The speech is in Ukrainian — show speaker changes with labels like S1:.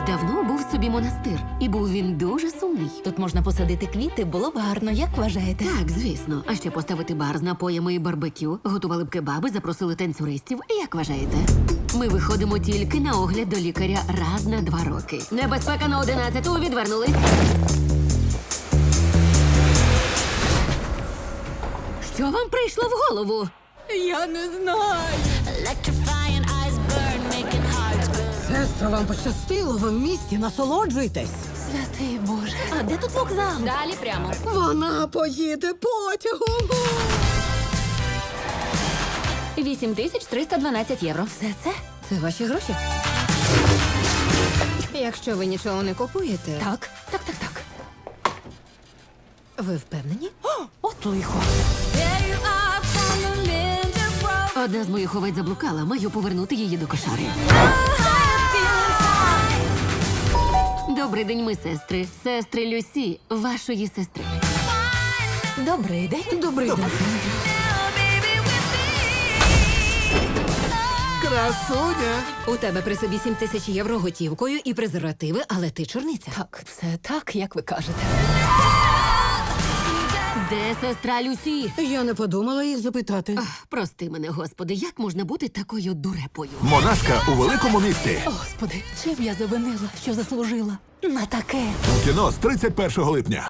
S1: Колись давно був собі монастир, і був він дуже сумний.
S2: Тут можна посадити квіти, було б гарно, як вважаєте?
S1: Так, звісно. А ще поставити бар з напоями і барбекю, готували б кебаби, запросили танцюристів. Як вважаєте? Ми виходимо тільки на огляд до лікаря раз на 2 роки. Небезпека на 11-ту, відвернулись. Що вам прийшло в голову?
S2: Я не знаю.
S3: Electrifying eyes burn, making hearts burn.
S4: Сестро, вам пощастило, ви в місті, насолоджуйтесь.
S2: Святий Боже. А де тут вокзал?
S1: Далі прямо.
S4: Вона поїде потягом.
S1: 8312 євро.
S2: Все це?
S4: Це ваші гроші? Якщо ви нічого не купуєте,
S2: Так.
S4: ви впевнені?
S2: От лихо.
S1: Одна з моїх овець заблукала, маю повернути її до кошари. Добрий день, ми сестри. Сестри Люсі, вашої сестри.
S2: Добрий день.
S4: Добрий день.
S5: Красуня!
S4: У тебе при собі 7000 євро готівкою і презервативи, але ти чорниця.
S2: Так, все так, як ви кажете.
S1: Де сестра Люсі?
S4: Я не подумала їх запитати.
S1: Прости мене, господи, як можна бути такою дурепою?
S5: Монашка у великому місті.
S2: Господи, чим я завинила, що заслужила на таке?
S5: У кіно з 31 липня.